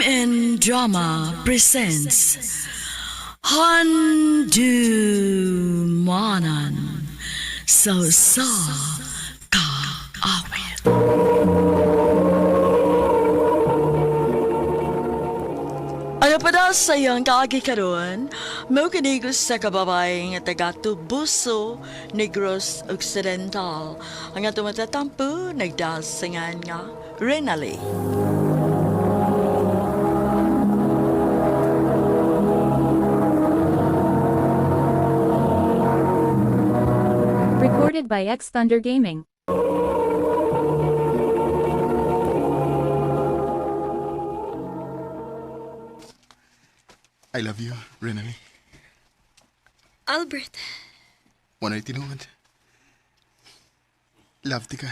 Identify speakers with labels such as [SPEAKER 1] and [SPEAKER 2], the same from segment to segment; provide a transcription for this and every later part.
[SPEAKER 1] and Drama presents Handumanan So Sa Ka Awit. Ano pa daw sa iyong kaagi karon? Mau kinigos sa kababay nga taga Tubuso, Negros Occidental. Ang atong matatampo, nagdasingan nga Renali.
[SPEAKER 2] Recorded by X Thunder Gaming.
[SPEAKER 3] I love you, Renali.
[SPEAKER 4] Albert,
[SPEAKER 3] Wana'y tinuod. Love ti ka.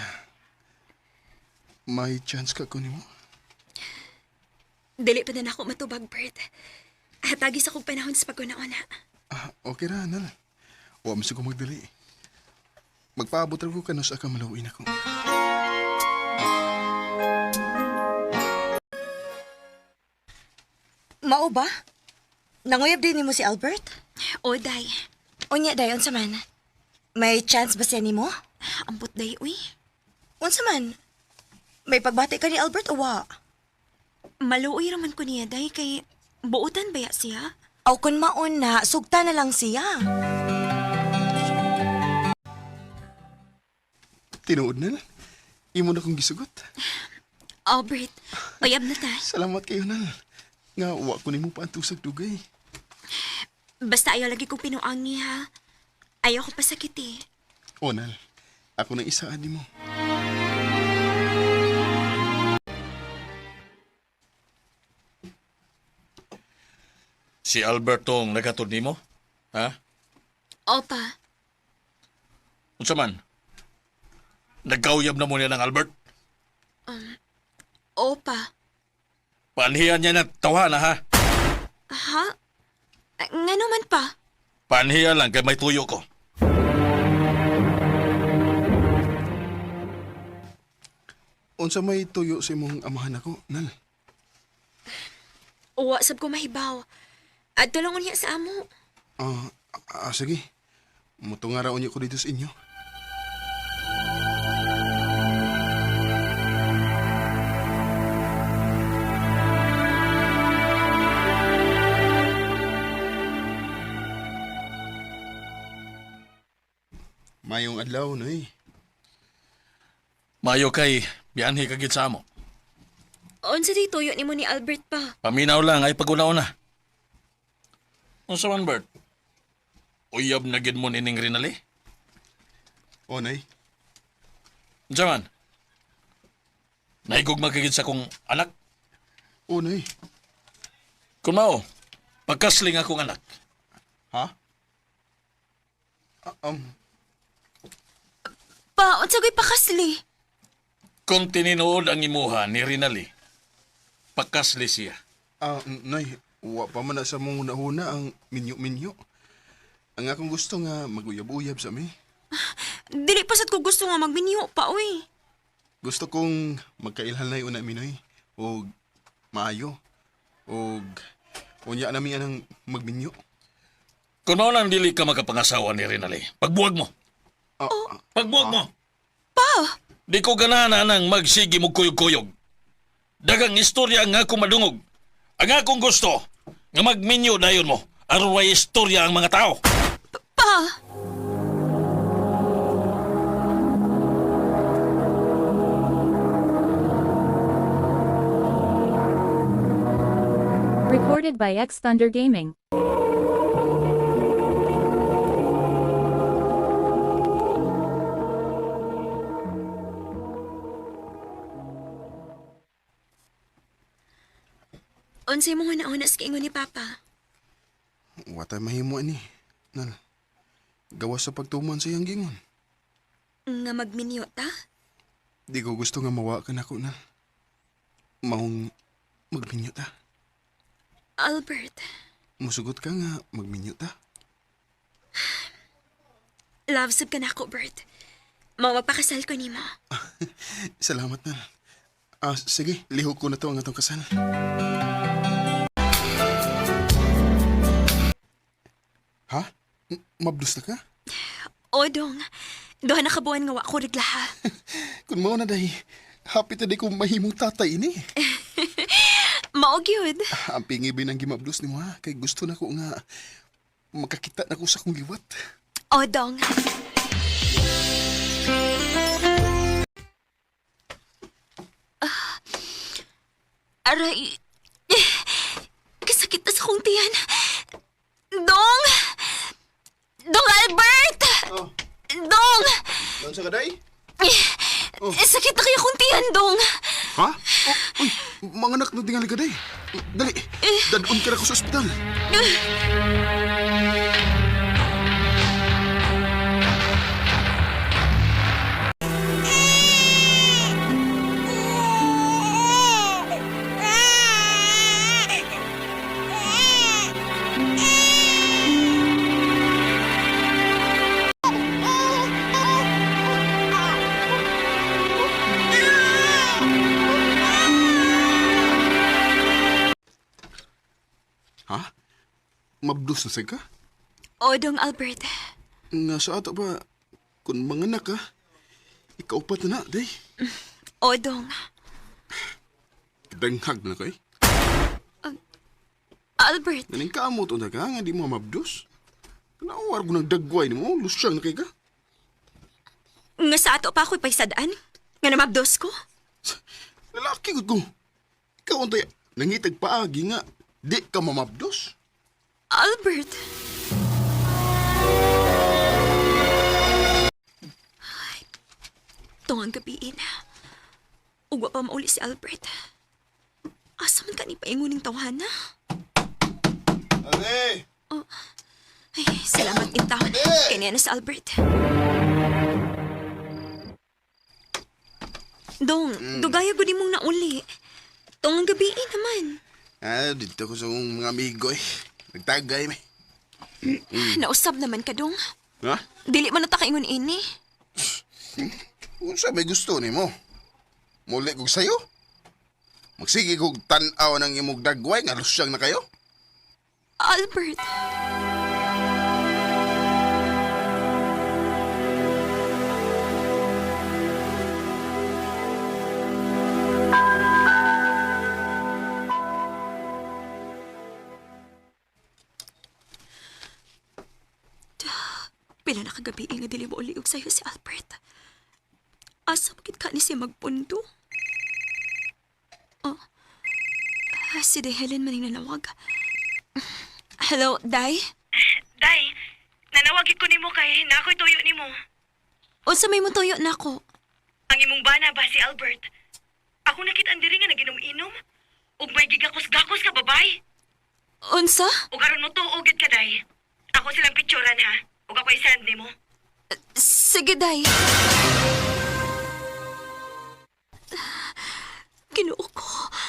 [SPEAKER 3] May chance ka kunin mo.
[SPEAKER 4] dili pa na ako matubag, Bert. Hatagis akong panahon sa pagkunauna.
[SPEAKER 3] Okay ra, Nal. Huwag mo ko magdali. Magpaabot ko kanos aka malawin ako.
[SPEAKER 5] Mao ba? Nanguyab din nimo si Albert?
[SPEAKER 4] O, day.
[SPEAKER 5] Unya dayon sa man. May chance ba siya nimo?
[SPEAKER 4] Ambot day, uy.
[SPEAKER 5] Unsa man? May pagbati ka ni Albert o wa?
[SPEAKER 4] Maluoy raman ko niya, day, kay buutan baya siya?
[SPEAKER 5] Aw kun maon na, sugta na lang siya.
[SPEAKER 3] Tinuod, Nal. Imo na kong gisugot.
[SPEAKER 4] Albert, uyab na ta.
[SPEAKER 3] Salamat kayo, Nal. Nga, wa ko nimo pa ang tusag dugay.
[SPEAKER 4] Basta ayaw lagi kong pinuang niya. Ayaw ko pasakit eh.
[SPEAKER 3] O, Nal. Ako nang isaan mo.
[SPEAKER 6] Si Albertong nagatod nimo? Ha?
[SPEAKER 4] Opa,
[SPEAKER 6] Unsa man? Nagkauyab na mo niya ng Albert?
[SPEAKER 4] opa.
[SPEAKER 6] Panhiyan niya na tawa na ha?
[SPEAKER 4] Ha? Nga naman pa.
[SPEAKER 6] Panhiyan lang kay may tuyo ko.
[SPEAKER 3] Unsa may tuyo sa imong amahan ako, Nal?
[SPEAKER 4] Uwa sab ko mahibaw. At tulungon niya sa amo.
[SPEAKER 3] Sige. Mutungaraon niyo ko dito sa inyo. Mayong adlaw, Noy.
[SPEAKER 6] Mayo kay biyanhi kagid sa amo.
[SPEAKER 4] Unsa di tuyo ni mo ni Albert pa?
[SPEAKER 6] Paminaw lang ay pag-unaw na. Unsa man, Bert? Uyab na gid mo nining Rinali?
[SPEAKER 3] O, Nay.
[SPEAKER 6] Unsa man? Naigugma kagid sa kong anak?
[SPEAKER 3] O, Nay.
[SPEAKER 6] Kung mao, pagkasling akong anak.
[SPEAKER 3] Ha?
[SPEAKER 4] Pa, unsa gay pakasli?
[SPEAKER 6] Kung tininuod ang imuha ni Rinali, pagkasli siya.
[SPEAKER 3] Nay, wa pa man na sa mong unahuna ang minyo-minyo. Ang akong gusto nga maguyab-uyab sa mi.
[SPEAKER 4] Dili pa sad ko gusto nga magminyo pa, uy.
[SPEAKER 3] Gusto kong magkailhan na una minoy. O maayo. O unya na mi anang magminyo.
[SPEAKER 6] Kung mao lang dili ka makapangasawa ni Rinali, pagbuwag mo. Pagbuwag mo.
[SPEAKER 4] Pa!
[SPEAKER 6] Di ko ganahan nang magsigi mo kuyog-kuyog. Dagang istorya nga akong madungog. Ang akong gusto, nga magminyo dayon mo. Aron way istorya ang mga tao.
[SPEAKER 4] Pa!
[SPEAKER 2] Recorded by X Thunder Gaming.
[SPEAKER 4] Unsay mo nga nauna sa kiingon ni Papa?
[SPEAKER 3] Watay mahimo ani. Nal. Gawas sa pagtuman sa iyang gingon.
[SPEAKER 4] Nga magminyo ta?
[SPEAKER 3] Di ko gusto nga mawa ka na ko, Nal. Mahong magminyo ta.
[SPEAKER 4] Albert,
[SPEAKER 3] Musugot ka nga magminyo ta.
[SPEAKER 4] love sab ka na ako, Bert. Mao magpakasal ko nimo.
[SPEAKER 3] Salamat, Nal. Sige, lihok ko na to ang atong kasal. Ha? Mabdus na ka?
[SPEAKER 4] O, dong. Duha na kabuan nga wa ko reglaha.
[SPEAKER 3] Kung mao na day, happy ta day kung mahimong tatay ini.
[SPEAKER 4] Maog yun.
[SPEAKER 3] Ang pingibin ang gimabdus ni mo ha, kay gusto na ko nga makakita na ko sa kong liwat.
[SPEAKER 4] O, dong. Aray. Kasakit na sa kong tiyan. Dong! Dong Albert!
[SPEAKER 3] Oh,
[SPEAKER 4] Dong!
[SPEAKER 3] doon sa kaday?
[SPEAKER 4] Sakit na kaya kong tiyan, Dong.
[SPEAKER 3] Ha? Uy, mga anak na tingali ka day. Dali, dadun ka na ko sa ospital. Ha? Mabdus na sa ka?
[SPEAKER 4] O, Dong Albert.
[SPEAKER 3] Nga sa ato ba, kung mga anak ka, ikaw pa na day.
[SPEAKER 4] O, Dong.
[SPEAKER 3] Danghag na kay.
[SPEAKER 4] Albert.
[SPEAKER 3] Naning kamot na ka, nga di mo mabdus. Kanawar ko ng dagway ni mo, lusyang na kay ka.
[SPEAKER 4] Nga sa ato pa ako'y paisadaan. Nga namabdos ko.
[SPEAKER 3] Lalaki ko. Ikaw ang tayo, nangitag paagi nga, di ka mamabdos.
[SPEAKER 4] Albert. Ay, tungang gabiin. Ugwa pa mauli si Albert. Asa man ka ni painguning tawhana?
[SPEAKER 3] Ate!
[SPEAKER 4] Ay, salamat intaw. Kanya na si Albert. Dong, dugaya gudi mong nauli. Tungang gabiin naman.
[SPEAKER 3] Dito ko sa kong mga amigo eh. Nagtagay me.
[SPEAKER 4] Nausab naman ka, Dong.
[SPEAKER 3] Ha?
[SPEAKER 4] Dili man natakaingon ini.
[SPEAKER 3] Kung sa may gusto ni mo, muli kong sayo. Magsige kong tanaw ng imong dagway, nga lusyang na kayo.
[SPEAKER 4] Albert. Pila na kagabi nga dili mo uliog sa'yo si Albert. Asa magit ka ni siya magpundo? Oh. Si Day Helen maning nanawag. Hello, Day?
[SPEAKER 5] Day, nanawagin ko nimo kay nako'y tuyo nimo.
[SPEAKER 4] Unsa may mo tuyo na ko?
[SPEAKER 5] Ang imong bana ba si Albert? Ako nakit-an diri nga naginom-inom. Ug may gigakos-gakos ka babay.
[SPEAKER 4] Unsa?
[SPEAKER 5] Ug aron mo tuog gid ka, Day. Ako silang picturean ha. Ug ako i-send nimo.
[SPEAKER 4] Sige, Day. Ginoo ko.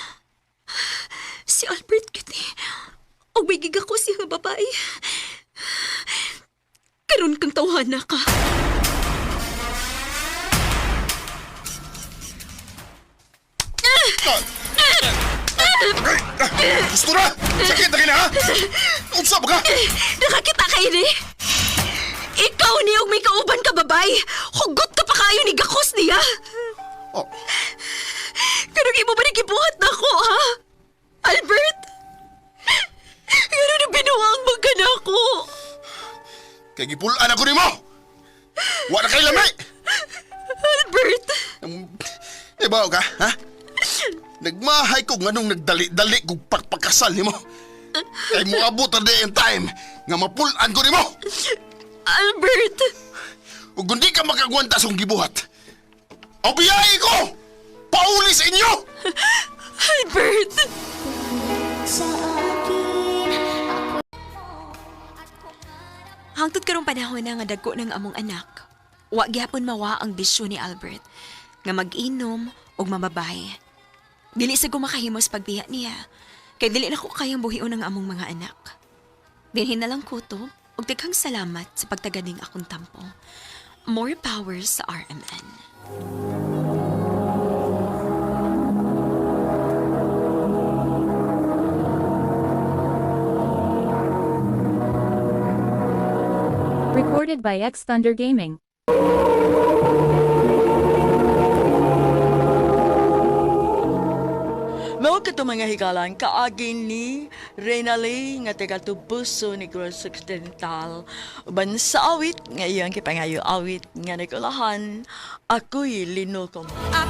[SPEAKER 4] Si Albert kiti. O may giga ko siya nga babae. Karon kang tawhana ka.
[SPEAKER 3] Gusto na! Sakit na kina ha! Unsa ba ka?
[SPEAKER 4] Nakakita ka ini. Ikaw niyong may kauban ka babay. Hugot ka pa kayo ni gakos niya.
[SPEAKER 3] Oh,
[SPEAKER 4] Kanong imo ba nagibuhat na ako, ha? Albert? Ganun na binuang magkana ko.
[SPEAKER 3] kay gipulaan ako ni mo! Wala kay lamay!
[SPEAKER 4] Albert?
[SPEAKER 3] Ibaw ka, ha? Nagmahay ko nga nung nagdali-dali kong pagpagkasal ni mo. Kay mo abot na day and time nga mapulaan ko ni mo.
[SPEAKER 4] Albert?
[SPEAKER 3] Ug hindi ka makagwanta sa kong gibuhat. Obiyay ko! Pauli sa inyo!
[SPEAKER 4] Albert? Hangtod karong panahon na nga dagko ng among anak, wa gyapon mawa ang bisyo ni Albert nga mag-inom og mamabay. Dili sa gumakahimos pagbiya niya, kay dili na ko kayang buhion ang among mga anak. Dinhin na lang kutob ug daghang salamat sa pagtaganing akong tampo. More power sa RMN.
[SPEAKER 2] Recorded by X Thunder Gaming.
[SPEAKER 1] Mao kato mga higalan kaagi ni Renali nga taga Tubuso ni Negros Occidental uban sa awit nga iyang kipangayo awit nga nagulahan ako'y linukom.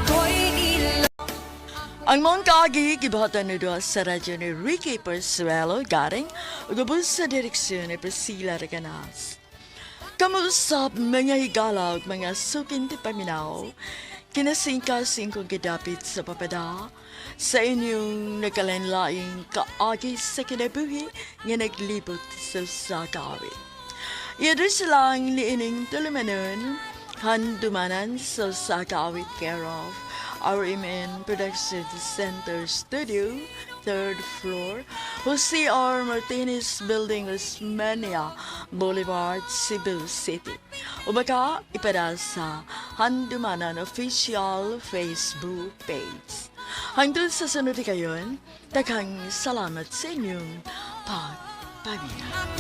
[SPEAKER 1] Ang mga kaagi gibahatan ni doon sa radyo ni Ricky Persuelo garing ugabos sa direksyon ni Priscilla Reganas. Kamusap mga higala ug mga sukin ti paminaw kinasingkasing kong gidapit sa papada sa inyong nakalanlaing kaagi sa kinabuhi nga naglibot sa sakawit. Iadres lang ni ining tulumanon handumanan sa sakawit care of RMN Production Center Studio, 3rd floor, Jose R. Martinez Building, Osmania Boulevard, Cebu City. O baka ipada sa Handumanan Official Facebook page. Hangtod sa sunod kayon, daghang salamat sa inyong pagpabila.